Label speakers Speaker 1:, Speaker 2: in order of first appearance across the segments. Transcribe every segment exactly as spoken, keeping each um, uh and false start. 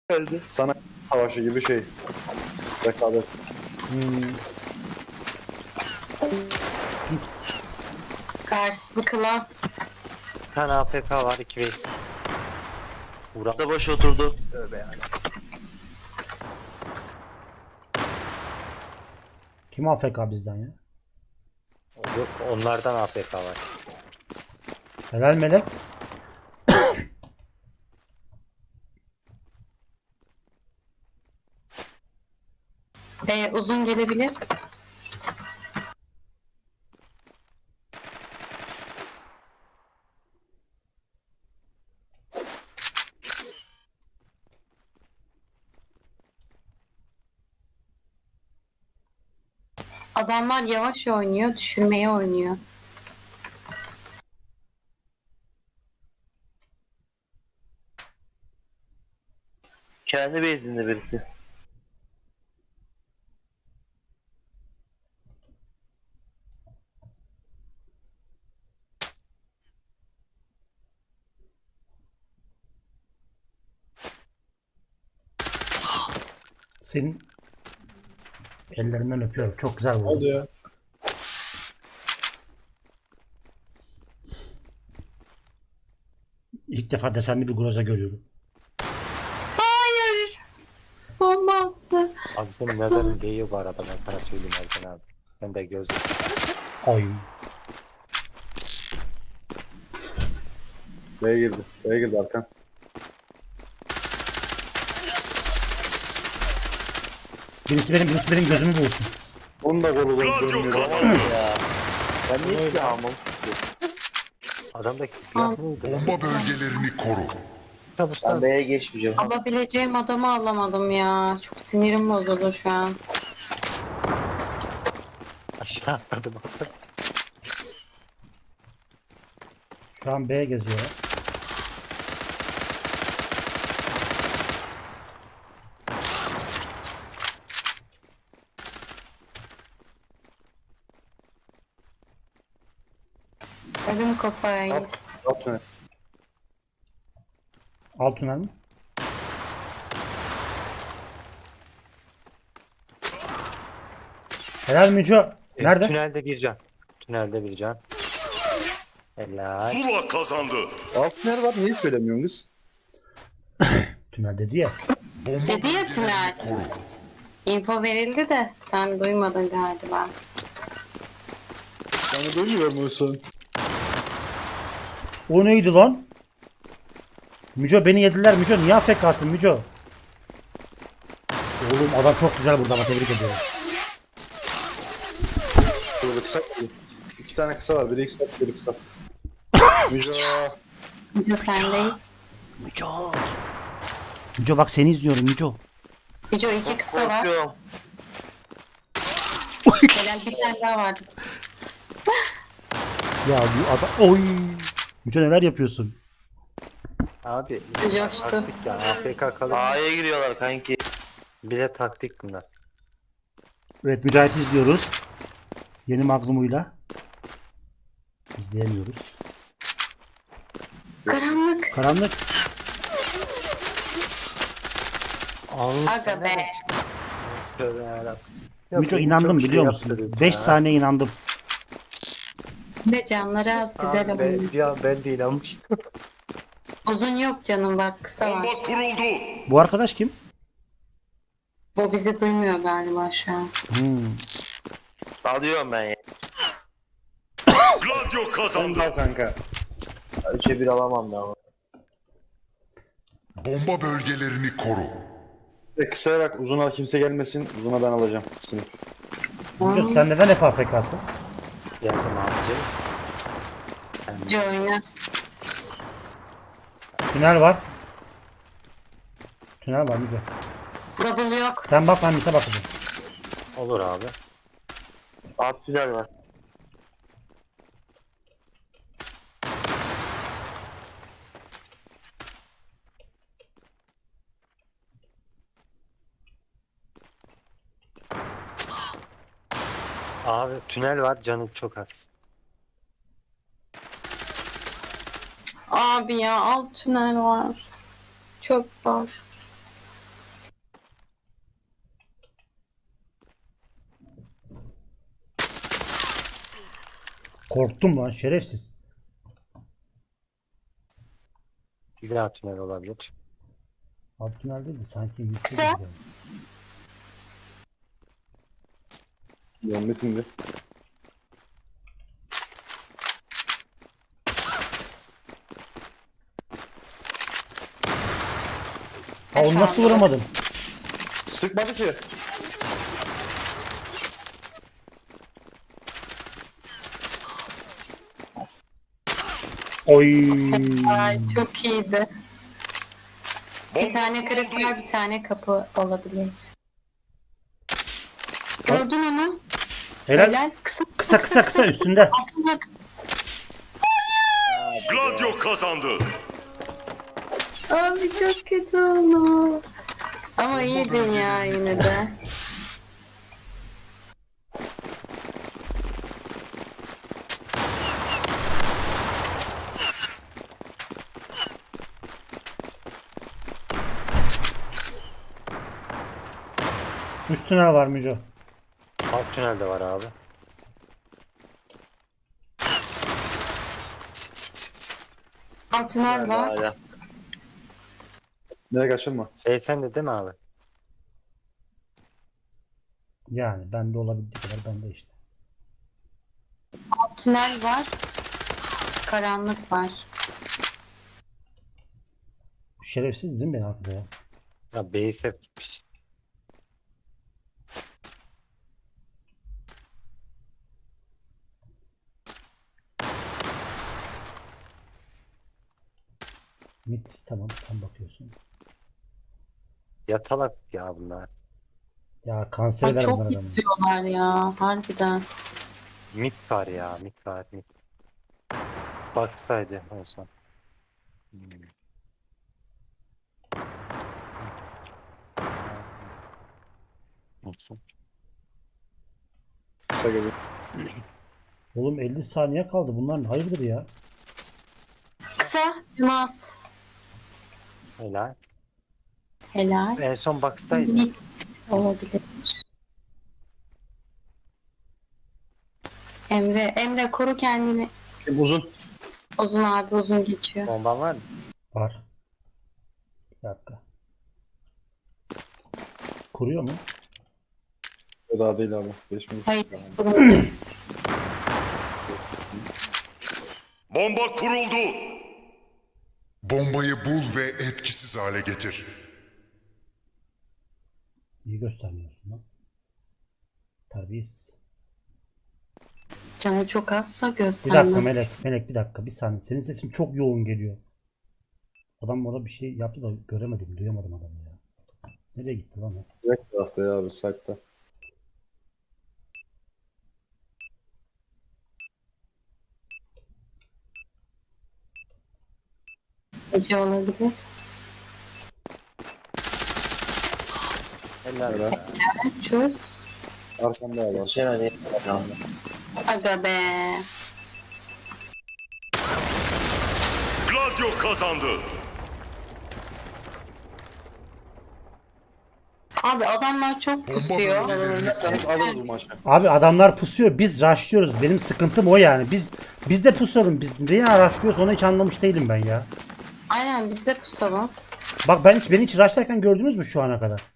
Speaker 1: Öldü. Sana savaşı gibi şey. Rekabet.
Speaker 2: Hmm.
Speaker 3: Karşısı kılan.
Speaker 4: Bir tane A F K var, iki vs. Vuran.
Speaker 5: Kısa başı oturdu.
Speaker 4: Tövbe yani.
Speaker 2: Kim A F K bizden ya?
Speaker 4: Yok, onlardan A F K var.
Speaker 2: Helal melek.
Speaker 3: Ee, uzun gelebilir. Adamlar yavaş oynuyor, düşürmeye oynuyor.
Speaker 5: Kendi bezinde birisi.
Speaker 2: Senin ellerinden öpüyorum. Çok güzel
Speaker 1: Ne oldu
Speaker 2: vurdun.
Speaker 1: ya?
Speaker 2: İlk defa desenli bir groza görüyorum.
Speaker 3: Hayır. Bomba attı.
Speaker 4: Abi senin nazarın değiyor bu arada, ben sana söyleyeyim Ercan abi. Ben de göz.
Speaker 2: Ay.
Speaker 1: B'ye girdi. B'ye girdi Arkan.
Speaker 2: Birisi benim, birisi benim gözümü bulsun.
Speaker 1: Onu da golü
Speaker 5: Gladio kazandı ya. Ben niye silah almam?
Speaker 4: Adamdaki silah neydi?
Speaker 6: Bomba bölgelerini koru.
Speaker 5: Ben
Speaker 4: Çalıştan.
Speaker 5: B'ye geçmeyeceğim.
Speaker 3: Alabileceğim adamı alamadım ya. Çok sinirim bozuldu şu an.
Speaker 4: Aşağı atladım.
Speaker 2: Şu an B geziyor.
Speaker 3: Ödüm kafayı.
Speaker 1: At öne.
Speaker 2: Alt tünel mi? Helal Müco. Nerede?
Speaker 4: Tünelde bir can. Tünelde bir can. Helal.
Speaker 6: Zula kazandı.
Speaker 1: Alt ner var. Niye söylemiyorsun kız?
Speaker 2: Tünel dedi ya.
Speaker 6: Bomba
Speaker 3: Dedi ya
Speaker 6: bölgelerini
Speaker 3: tünel.
Speaker 6: koru.
Speaker 3: Info verildi de sen duymadın galiba.
Speaker 1: Sana duymuyor musun?
Speaker 2: O neydi lan? Müco beni yediler. Müco niye A F K'sın Müco? Oğlum adam çok güzel burada ama tebrik ediyorum.
Speaker 1: Burada kısa. İki tane kısa var. Biri kısa, biri kısa. Müco.
Speaker 3: Video sendeyiz.
Speaker 2: Müco bak seni izliyorum Müco.
Speaker 3: Video iki kısa var.
Speaker 5: Korkuyorum.
Speaker 3: Helal bir tane daha vardı.
Speaker 2: Ya bu adam... Oy! Müco neler yapıyorsun?
Speaker 4: Abi.
Speaker 3: Coştu.
Speaker 4: Taktik ya. A F K kalır.
Speaker 5: A'ya giriyorlar kanki.
Speaker 4: Bile taktik bunlar.
Speaker 2: Evet Mücahit'i izliyoruz. Yeni Magnum'uyla. İzleyemiyoruz.
Speaker 3: Karanlık.
Speaker 2: Karanlık.
Speaker 4: Allah
Speaker 3: Aga be.
Speaker 4: tövbe yarabbim.
Speaker 2: Müco
Speaker 4: beni
Speaker 2: inandım
Speaker 4: çok şey
Speaker 2: biliyor musun?
Speaker 4: yaptınız
Speaker 2: beş
Speaker 4: ya.
Speaker 2: saniye inandım.
Speaker 3: Ne canları az güzel
Speaker 4: Abi ben,
Speaker 3: oynuyor.
Speaker 4: ya ben de inanmıştım.
Speaker 3: Uzun yok canım bak kısa var.
Speaker 6: Bomba kuruldu.
Speaker 2: Bu arkadaş kim?
Speaker 3: Bu bizi duymuyor galiba şu an.
Speaker 2: Hmm.
Speaker 5: Alıyorum ben ya.
Speaker 6: Gladio
Speaker 1: Sen
Speaker 6: kazandı.
Speaker 1: dal kanka.
Speaker 5: Üçe bir alamam da ama.
Speaker 6: Bomba bölgelerini koru.
Speaker 1: Ve kısaya bak. Uzuna kimse gelmesin. Uzuna ben alacağım. Sınıf.
Speaker 2: Müco sen neden hep A F K'sın?
Speaker 4: Geldim abicim.
Speaker 3: Video oyna.
Speaker 2: Tünel var. Tünel var Müco.
Speaker 3: Double yok.
Speaker 2: Sen bak ben Mise bakacağım.
Speaker 4: Olur abi.
Speaker 5: Alt tünel var.
Speaker 4: Abi tünel var, canım çok az.
Speaker 3: Abi ya alt tünel var. Çöp var.
Speaker 2: Korktum lan şerefsiz.
Speaker 4: Bir daha tünel olabilir.
Speaker 2: Alt tünel değildi sanki. yüksek
Speaker 3: Kısa.
Speaker 2: gidiyor.
Speaker 1: Muhammed indi.
Speaker 2: Ha, onu nasıl vuramadım?
Speaker 1: Sıkmadı ki.
Speaker 2: Oy.
Speaker 3: Ay çok iyiydi. Bir
Speaker 6: Bomba
Speaker 3: tane kırık
Speaker 6: kuruldu.
Speaker 3: var, bir tane kapı olabilir. Gördün onu.
Speaker 2: Helal.
Speaker 3: Helal. Kısa
Speaker 2: Kısa kısa kısa üstünde.
Speaker 3: Altına-
Speaker 6: Gladio kazandı.
Speaker 3: Abi çok kötü oldu. Ama iyiydin ya yine de.
Speaker 2: Üst tünel var Müco.
Speaker 4: Alt tünel de var abi.
Speaker 3: Alt tünel var.
Speaker 5: Hala.
Speaker 1: Nereye kaçılma.
Speaker 4: Şey sen de değil mi abi?
Speaker 2: Yani bende olabildiği kadar bende işte.
Speaker 3: Alt tünel var. Karanlık var.
Speaker 2: Şerefsiz değil mi beni arkada ya?
Speaker 4: Ya base hep gitmiş.
Speaker 2: Mit tamam sen bakıyorsun.
Speaker 4: Yatalak ya bunlar.
Speaker 2: Ya kanser
Speaker 3: Ay,
Speaker 2: eder
Speaker 3: çok
Speaker 2: bunlar adamı.
Speaker 3: yatıyorlar ya. Harbiden.
Speaker 4: Mid var ya, mid var, mid. Bak sadece en son. Hmm. Olsun.
Speaker 1: Kısa geliyor.
Speaker 2: Oğlum elli saniye kaldı. Bunlar hayırdır ya?
Speaker 3: Kısa. Yılmaz.
Speaker 4: Helal.
Speaker 3: Helal.
Speaker 4: En son box'taydı.
Speaker 3: Mid olabilir. Emre, Emre koru kendini.
Speaker 1: Uzun.
Speaker 3: Uzun abi uzun geçiyor.
Speaker 4: Bomban var mı?
Speaker 2: Var. Bir dakika. Kuruyor mu?
Speaker 1: O daha değil abi. Geçmiyor.
Speaker 3: Hayır. Kurun.
Speaker 6: Bomba kuruldu. Bombayı bul ve etkisiz hale getir.
Speaker 2: İyi göstermiyorsun lan. Terbiyesiz.
Speaker 3: Canı çok azsa
Speaker 2: Bir
Speaker 3: göstermez.
Speaker 2: dakika Melek. Melek bir dakika. Bir saniye. Senin sesin çok yoğun geliyor. Adam orada bir şey yaptı da göremedim. Duyamadım adamı ya. Nereye gitti lan o?
Speaker 1: Direkt tarafta ya abi. Site'da.
Speaker 3: Gece olabilir.
Speaker 4: Helal.
Speaker 1: Helal.
Speaker 3: Çöz.
Speaker 1: Arkamda abi.
Speaker 5: Geçemedi.
Speaker 3: Aga be.
Speaker 6: Gladio kazandı.
Speaker 3: Abi adamlar çok pusuyor.
Speaker 1: Sen alırız bu maçı.
Speaker 2: Abi adamlar pusuyor. Biz rushlıyoruz. Benim sıkıntım o yani. Biz biz de pusalım. Biz niye rushlıyoruz onu hiç anlamış değilim ben ya.
Speaker 3: Aynen biz de pusalım.
Speaker 2: Bak ben hiç beni hiç rushlarken gördünüz mü şu ana kadar?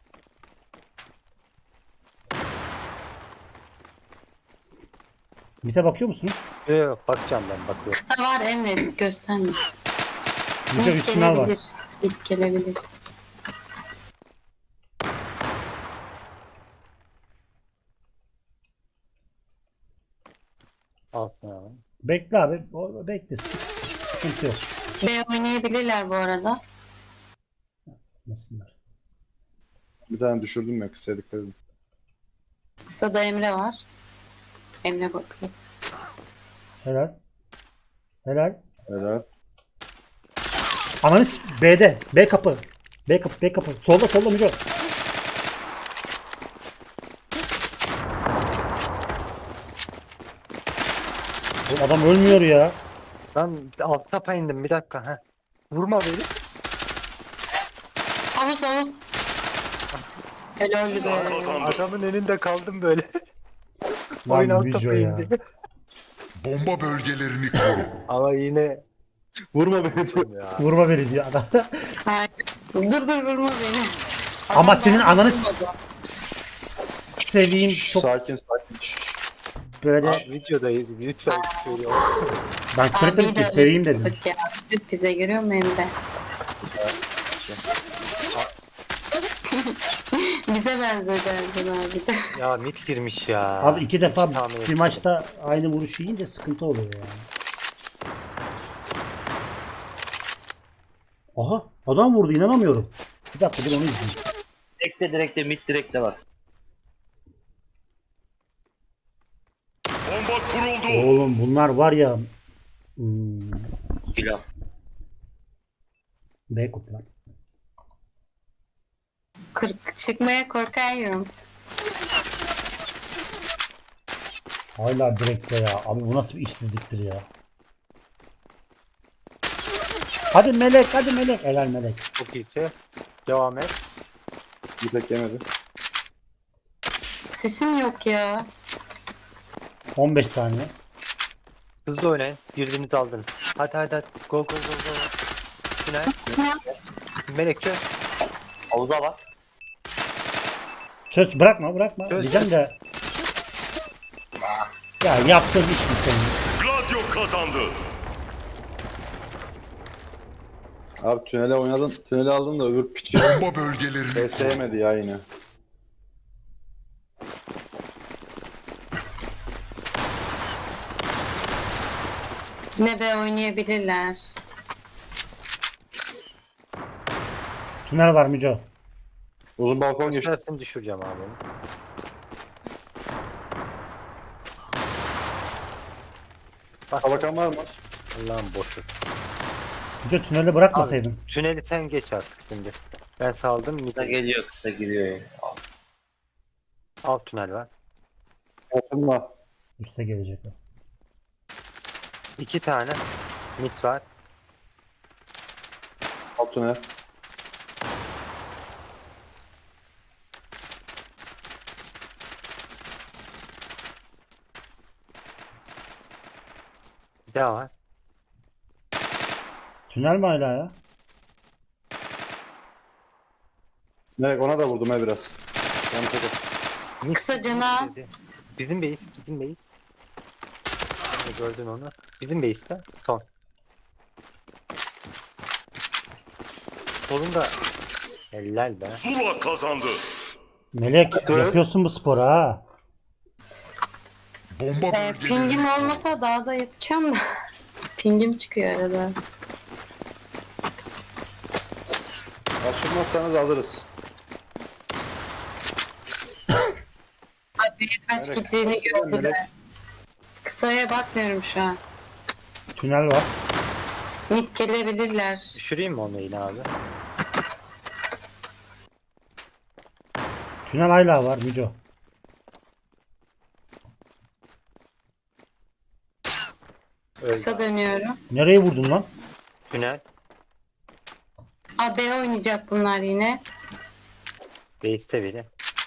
Speaker 2: Mite bakıyor musunuz?
Speaker 4: Yok, yok, bakacağım ben bakıyorum.
Speaker 3: Kısa var Emre göstermiyor.
Speaker 2: Mite
Speaker 3: Net
Speaker 2: üst tünel var.
Speaker 3: gelebilir. Net gelebilir.
Speaker 4: Alt tünel.
Speaker 2: Bekle abi. O, bekle. Sıkıntı yok.
Speaker 3: B oynayabilirler bu arada.
Speaker 2: Nasıllar?
Speaker 1: Bir tane düşürdüm ya. Kısaya dikkat edin.
Speaker 3: Kısada Emre var. Emre bakıyor.
Speaker 2: Helal. Helal.
Speaker 1: Helal.
Speaker 2: Ananı s- B'de. B kapı. B kapı. B kapı. Solda solda Müco. Oğlum adam ölmüyor ya.
Speaker 4: Ben alt tapa indim bir dakika. Heh. Vurma beni.
Speaker 3: Havuz havuz. Helal
Speaker 6: Zula
Speaker 3: be.
Speaker 6: kazandı.
Speaker 4: Adamın önünde kaldım böyle.
Speaker 2: Lan
Speaker 4: Oyun alt
Speaker 2: Müco
Speaker 4: tapa
Speaker 2: ya.
Speaker 4: indi.
Speaker 6: Bomba bölgelerini koru.
Speaker 4: Ama yine
Speaker 5: Vurma beni.
Speaker 4: ya.
Speaker 2: Vurma beni diyor adam.
Speaker 3: Hayır. Dur dur vurma beni.
Speaker 2: Ama
Speaker 3: Adam
Speaker 2: senin
Speaker 3: bana
Speaker 2: ananı
Speaker 3: vurmadı.
Speaker 2: seveyim çok
Speaker 1: Sakin sakin. Şşş.
Speaker 2: böyle.
Speaker 4: Abi videodayız. Lütfen şöyle ol.
Speaker 2: Ben küfür etmedim
Speaker 3: Abiyi
Speaker 2: ki
Speaker 3: de
Speaker 2: seveyim dedim.
Speaker 3: ısıttık ya. Süt bize görüyor musun hem de? Bize benzedi Ercan abi de.
Speaker 4: Ya mit girmiş ya.
Speaker 2: Abi iki defa
Speaker 4: Hiç tahmin
Speaker 2: bir
Speaker 4: etmedim.
Speaker 2: maçta aynı vuruşu yiyince sıkıntı oluyor yani. Aha adam vurdu inanamıyorum. Bir dakika dur onu izleyeyim.
Speaker 5: Direkte direkte mid direkte var.
Speaker 6: Bomba kuruldu.
Speaker 2: Oğlum bunlar var ya. Hmm,
Speaker 5: Pilav.
Speaker 2: B kutular.
Speaker 3: Kırk çıkmaya korkuyorum.
Speaker 2: Hala direkte ya. Abi bu nasıl bir işsizliktir ya. Hadi Melek hadi Melek. Helal Melek.
Speaker 4: Çok iyi şey. Devam et.
Speaker 1: İpek yemedi.
Speaker 3: Sesim yok ya.
Speaker 2: on beş saniye.
Speaker 4: Hızlı oynayın. Birbirinizi aldınız. Hadi hadi hadi. Go go go go. Tünel.
Speaker 3: Ya,
Speaker 4: Melekçe.
Speaker 5: Havuza bak.
Speaker 2: Çöz bırakma bırakma.
Speaker 4: Çöz,
Speaker 2: Diyeceğim
Speaker 4: çöz.
Speaker 2: de. Ya yaptığın iş mi senin?
Speaker 6: Gladio kazandı.
Speaker 1: Abi tünele oynadın. Tüneli aldın da öbür piçi
Speaker 6: Bomba bölgelerini koru.
Speaker 1: sevmedi ya yine.
Speaker 3: yine B oynayabilirler.
Speaker 2: Tünel var Müco.
Speaker 1: Uzun balkon geçti.
Speaker 4: Tersini düşüreceğim abi. onu. Bak
Speaker 1: Kalakan var mı?
Speaker 4: Allah'ım boşu.
Speaker 2: Müco tüneli bırakmasaydın.
Speaker 4: Abi tüneli sen geç artık şimdi. Ben saldım.
Speaker 5: Kısa
Speaker 4: Mide.
Speaker 5: geliyor kısa giriyor ya.
Speaker 4: Alt tünel var.
Speaker 1: Yakınma.
Speaker 2: Üste gelecekler.
Speaker 4: İki tane. Mit var.
Speaker 1: Alt tünel.
Speaker 4: Bir daha var.
Speaker 2: Tünel mi hala ya?
Speaker 1: Melek ona da vurdum he biraz. Yanlış oldu.
Speaker 4: Mit
Speaker 3: Kısa canı az.
Speaker 4: dedi. Bizim base. Bizim base. Sen de gördün onu. Bizim base'te. Son. Solunda. Helal be.
Speaker 6: Zula kazandı.
Speaker 2: Melek
Speaker 1: Kız.
Speaker 2: yapıyorsun bu sporu ha.
Speaker 6: Bomba
Speaker 3: Ee,
Speaker 6: bölgelerini
Speaker 3: pingim
Speaker 6: koru.
Speaker 3: olmasa daha da yapacağım da. Pingim çıkıyor arada.
Speaker 1: Açılmazsanız alırız.
Speaker 3: Abi kaç
Speaker 1: Melek.
Speaker 3: gittiğini
Speaker 1: Melek.
Speaker 3: gördüler. Kısaya bakmıyorum şu an.
Speaker 2: Tünel var.
Speaker 3: Mid gelebilirler.
Speaker 4: Düşüreyim mi onu yine abi?
Speaker 2: Tünel hala var Müco.
Speaker 4: Öldü.
Speaker 3: Kısa dönüyorum.
Speaker 2: Nereye vurdun lan?
Speaker 4: Tünel.
Speaker 3: A B oynayacak bunlar yine.
Speaker 4: Base'te biri.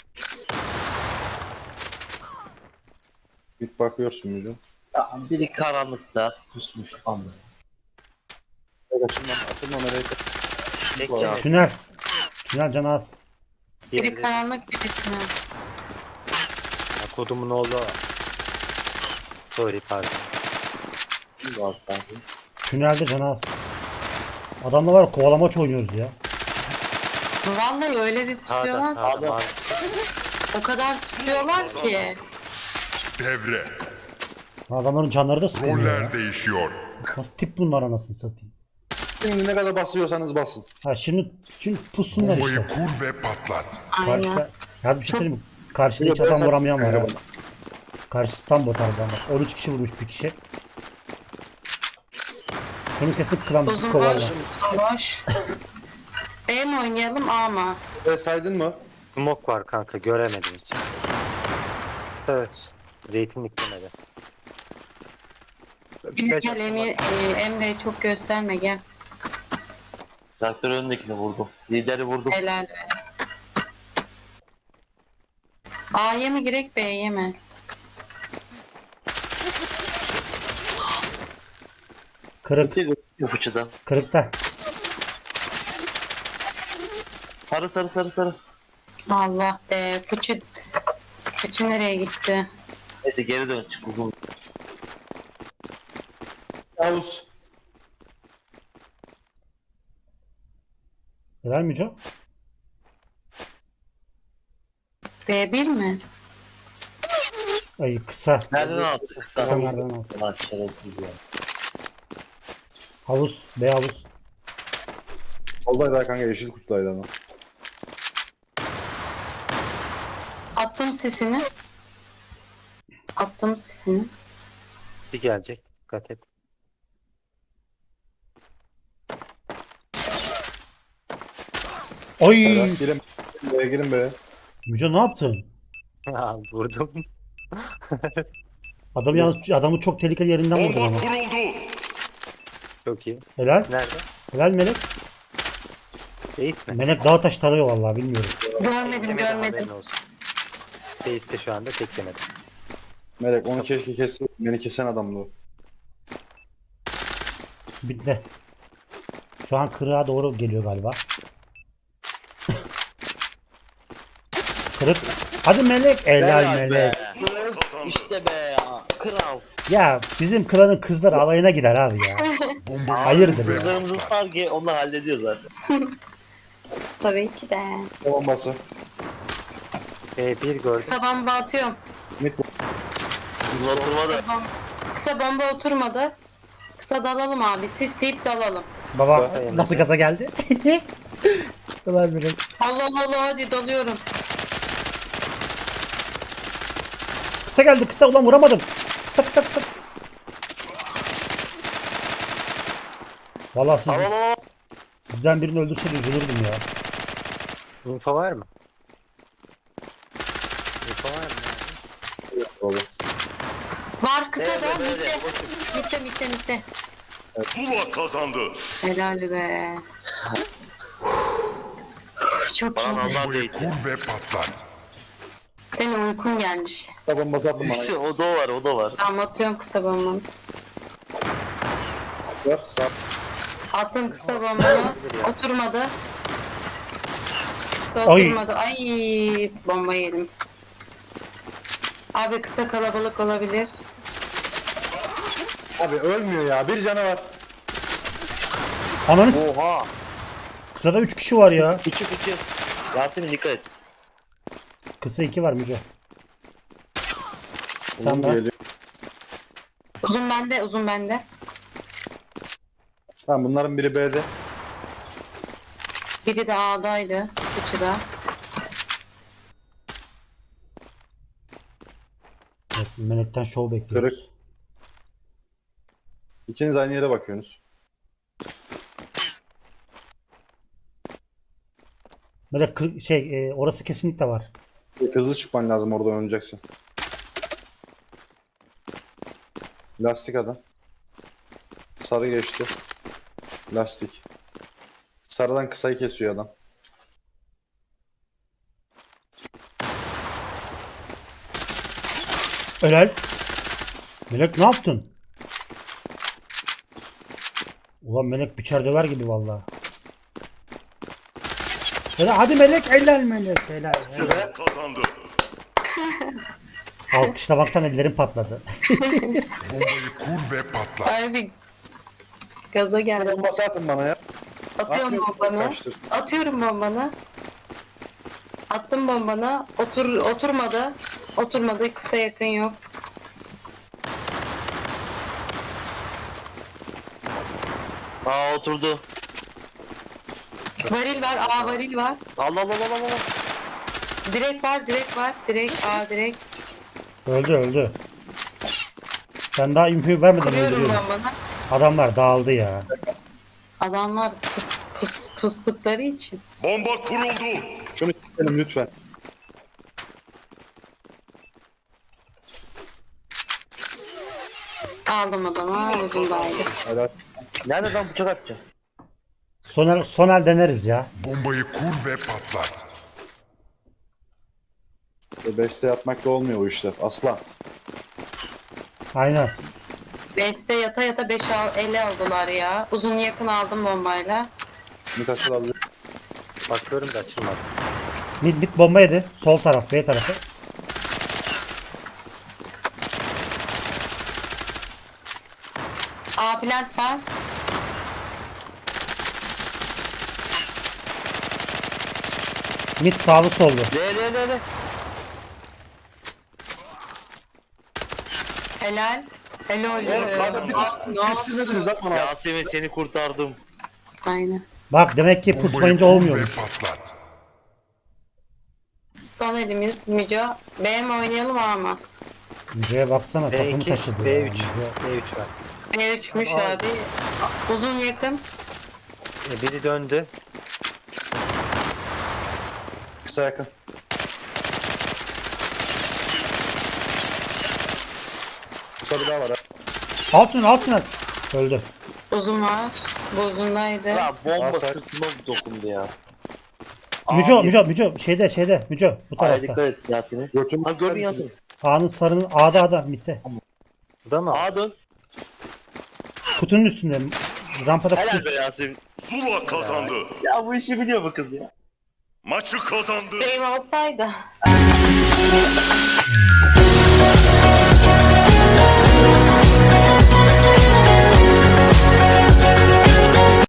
Speaker 1: Git bakıyorsun Mücüm.
Speaker 5: Ya, biri karanlıkta pusmuş ama.
Speaker 1: Melek açılma. Açılma Melek.
Speaker 4: Bekle.
Speaker 2: Tünel. Tünel canı az.
Speaker 3: Biri
Speaker 4: Diğeri de-
Speaker 3: karanlık biri tünel.
Speaker 4: Ya, kodumun oğlu. Sorry pardon.
Speaker 5: Kim var sanki?
Speaker 2: Tünelde canı az. Adamla var ya, kovalamaç oynuyoruz ya.
Speaker 3: Vallahi öyle bir
Speaker 4: Sağda
Speaker 3: pusuyorlar.
Speaker 4: sağda
Speaker 5: Abi.
Speaker 4: mavi.
Speaker 3: O kadar pusuyorlar ki.
Speaker 6: Devre.
Speaker 2: Adamların canları da sıkılıyor ya.
Speaker 6: Roller değişiyor.
Speaker 2: Nasıl tip bunlar anasını satayım.
Speaker 1: Şimdi ne kadar basıyorsanız basın.
Speaker 2: Ha şimdi şimdi pussunlar
Speaker 6: Bombayı
Speaker 2: işte.
Speaker 6: kur ve patlat.
Speaker 3: Aynen.
Speaker 2: Karşıda, ya bir şey söyleyeyim mi? Karşıda hiç
Speaker 1: Yok,
Speaker 2: adam
Speaker 1: ben-
Speaker 2: vuramayan var ha.
Speaker 1: ben-
Speaker 2: Karşısı tam bot adamlar. on üç kişi vurmuş bir kişi. Şunu kesip kıran
Speaker 3: Uzun boş.
Speaker 2: kovarlar.
Speaker 3: Boş. B mi oynayalım A mı?
Speaker 1: E, saydın mı?
Speaker 4: Smoke var kanka göremedim hiç. Evet. Zeytinlik demedi.
Speaker 3: Gel
Speaker 4: Birkaç-
Speaker 3: Emre, e, Emre'yi çok gösterme gel.
Speaker 5: Traktör önündekini vurdum. Lideri vurdum.
Speaker 3: Helal be. A'ya mı girek B'ye mi?
Speaker 2: Kırık.
Speaker 5: Bitti bu fıçıda.
Speaker 2: Kırıkta.
Speaker 5: Sarı sarı sarı sarı.
Speaker 3: Allah be. Fıçı. Fıçı nereye gitti?
Speaker 5: Neyse geri dön çık uzun.
Speaker 1: Yavuz.
Speaker 2: Helal Müco?
Speaker 3: B bir mi?
Speaker 2: Ay kısa.
Speaker 5: Nereden attı?
Speaker 2: Kısa
Speaker 5: Kısa.
Speaker 2: nereden aldı?
Speaker 5: Lan şerefsiz ya.
Speaker 2: Havuz. B havuz.
Speaker 1: Oldaydı ha kanka, yeşil kutlaydı ama.
Speaker 3: Attım sisini. Attım sisini.
Speaker 4: Bir gelecek. Dikkat et.
Speaker 2: Ay.
Speaker 1: Helal. Girin be, girin be.
Speaker 2: Müco ne yaptın?
Speaker 4: Ha, vurdum.
Speaker 2: Adam yalnız adamı çok tehlikeli yerinden vurdun
Speaker 6: Bomba
Speaker 2: ama.
Speaker 6: kuruldu.
Speaker 4: Çok iyi.
Speaker 2: Helal.
Speaker 4: Nerede?
Speaker 2: Helal Melek.
Speaker 4: Reis mi?
Speaker 2: Melek dağ taş tarıyor vallahi bilmiyorum.
Speaker 3: Görmedim
Speaker 4: Teklemedi,
Speaker 3: görmedim.
Speaker 4: haberin olsun. Reis de şu anda teklemedi.
Speaker 1: Melek onu keşke kesse. Beni kesen adamdı o.
Speaker 2: Bitti. Şu an kırığa doğru geliyor galiba. Kırık. Hadi Melek. Helal Melek.
Speaker 5: İşte be ya. Kral.
Speaker 2: Ya bizim klanın kızları alayına gider abi ya.
Speaker 6: Bombayı
Speaker 2: Hayırdır
Speaker 6: kur ve
Speaker 2: ya.
Speaker 5: Kızlarımızın
Speaker 6: patlat.
Speaker 5: sargı onlar hallediyor zaten.
Speaker 3: Tabii ki de.
Speaker 1: Bombası.
Speaker 4: B bir gördüm.
Speaker 3: Kısa bomba atıyorum.
Speaker 1: Mid
Speaker 5: Oturmadı.
Speaker 3: Bom- Kısa bomba oturmadı. Kısa dalalım abi. Sisleyip dalalım.
Speaker 2: Baba
Speaker 4: Dayanamadı.
Speaker 2: nasıl gaza geldi? Helal Melek.
Speaker 3: Allah Allah Allah hadi dalıyorum.
Speaker 2: Kısa geldi kısa ulan vuramadım. Kısa kısa kısa. Vallahi siz,
Speaker 5: Al, al, al.
Speaker 2: sizden birini öldürse de üzülürdüm ya.
Speaker 4: Info var mı? Info var mı?
Speaker 1: Baba.
Speaker 3: Var kısa
Speaker 5: Evet,
Speaker 3: da
Speaker 5: evet,
Speaker 3: mitte.
Speaker 5: evet.
Speaker 3: Mitte mitte mitte.
Speaker 6: Zula kazandı.
Speaker 3: Helal be. Çok
Speaker 5: Bana
Speaker 3: iyi.
Speaker 5: nazar
Speaker 6: Bombayı
Speaker 5: değdi.
Speaker 6: kur ve patlat.
Speaker 3: Senin uykun gelmiş.
Speaker 1: Kısa bombası attım
Speaker 5: İşte
Speaker 1: bana.
Speaker 5: o da var o da var.
Speaker 3: Tamam atıyorum kısa bombamı.
Speaker 1: Ver sağ.
Speaker 3: Attım kısa bombanı. Oturmadı. Kısa
Speaker 2: Ay.
Speaker 3: oturmadı. Ay bomba yedim. Abi kısa kalabalık olabilir.
Speaker 1: Abi ölmüyor ya. Bir canı var.
Speaker 2: Ananı s-
Speaker 5: Oha.
Speaker 2: kısada üç kişi var ya.
Speaker 5: Fıçı fıçı. Yasemin dikkat et.
Speaker 2: Kısa iki var Müco.
Speaker 1: Uzun
Speaker 2: Tamam.
Speaker 1: geliyor.
Speaker 3: Uzun bende uzun bende.
Speaker 1: Tamam, bunların biri B'de.
Speaker 3: Biri de A'daydı. Üçü de.
Speaker 2: Evet, Melek'ten şov bekliyoruz.
Speaker 1: Kırık. İkiniz aynı yere bakıyorsunuz.
Speaker 2: Melek kır- şey e, orası kesinlikle var.
Speaker 1: Hızlı çıkman lazım, orada oynayacaksın. Lastik adam. Sarı geçti. Lastik. Sarıdan kısayı kesiyor adam.
Speaker 2: Helal. Melek ne yaptın? Ulan Melek biçer döver gibi vallahi. Helal, hadi Melek helal Melek helal. helal.
Speaker 6: Zula kazandı.
Speaker 2: Alkışlamaktan ellerim patladı.
Speaker 6: Bombayı kur ve patlat.
Speaker 3: Abi gaza geldim.
Speaker 1: Bombası atın bana ya.
Speaker 3: Atıyorum
Speaker 1: Atmıyorum,
Speaker 3: bombanı.
Speaker 1: kaçtır.
Speaker 3: Atıyorum bombanı. Attım bombanı. Otur oturmadı. Oturmadı. Kısa yakın yok.
Speaker 5: Aa oturdu.
Speaker 3: Varil var. A varil var.
Speaker 5: Allah Allah Allah Allah.
Speaker 3: Direkt var. Direkt var. Direkt A direkt.
Speaker 2: Öldü öldü. Sen daha infoyu vermeden
Speaker 3: Kuruyorum
Speaker 2: öldürüyorum.
Speaker 3: bombanı.
Speaker 2: Adamlar dağıldı ya.
Speaker 3: Adamlar pus, pus, pustukları için.
Speaker 6: Bomba kuruldu.
Speaker 1: Şunu çekelim lütfen.
Speaker 3: Aldım adamı. Ucundaydı.
Speaker 1: Helal.
Speaker 5: Nerede lan bıçak atacağım?
Speaker 2: Sonel, sonel deneriz ya.
Speaker 6: Bombayı kur ve patlat.
Speaker 1: Beste yapmakla olmuyor o işler. Aslan.
Speaker 2: Aynen.
Speaker 3: Beste yata yata beş al, ele aldılar ya. Uzun yakın aldım bombayla.
Speaker 1: Mid açılabilir.
Speaker 4: Bakıyorum da açılmadı.
Speaker 2: Mid mid bomba yedi. Sol taraf B tarafı.
Speaker 3: A plant var.
Speaker 2: Mid sağlı sollu.
Speaker 5: Le le le le.
Speaker 3: Helal. Helal.
Speaker 1: Oğlum, kanka biz-
Speaker 3: Ne oldu?
Speaker 1: Üstünediniz lan bana.
Speaker 5: Yasemin seni kurtardım.
Speaker 3: Aynen.
Speaker 2: Bak demek ki
Speaker 6: Bombayı
Speaker 2: pusmayınca
Speaker 6: kur ve
Speaker 2: olmuyormuş.
Speaker 6: patlat.
Speaker 3: Son elimiz Müco. B mi oynayalım A mı?
Speaker 2: Müce'ye baksana
Speaker 4: B
Speaker 2: takımı
Speaker 4: iki,
Speaker 2: taşıdı
Speaker 4: B
Speaker 2: ya.
Speaker 4: üç,
Speaker 2: Müce.
Speaker 4: B üç var.
Speaker 3: B üçmüş abi. Uzun yakın.
Speaker 4: E, biri döndü.
Speaker 1: Kısa yakın. Kısa bir daha var ha.
Speaker 2: Altın altın at. Öldü.
Speaker 3: Uzun var. Bu uzundaydı.
Speaker 5: Ya bomba
Speaker 1: Aa, sen-
Speaker 5: sırtıma dokundu ya.
Speaker 2: Müco
Speaker 5: Abi.
Speaker 2: Müco Müco şeyde şeyde Müco bu
Speaker 5: Aya
Speaker 2: tarafta.
Speaker 5: dikkat et Yasemin.
Speaker 1: Götüm.
Speaker 5: Ha gördün Yasemin.
Speaker 2: A'nın sarının A'da A'da midde.
Speaker 4: Bu da mı?
Speaker 5: Ağa dön.
Speaker 2: Kutunun üstünde. Rampada kutu.
Speaker 5: Helal be Yasemin.
Speaker 6: Zula kazandı.
Speaker 5: Ya bu işi biliyor bu kız ya.
Speaker 6: Maçı kazandı.
Speaker 3: Spreyim olsaydı.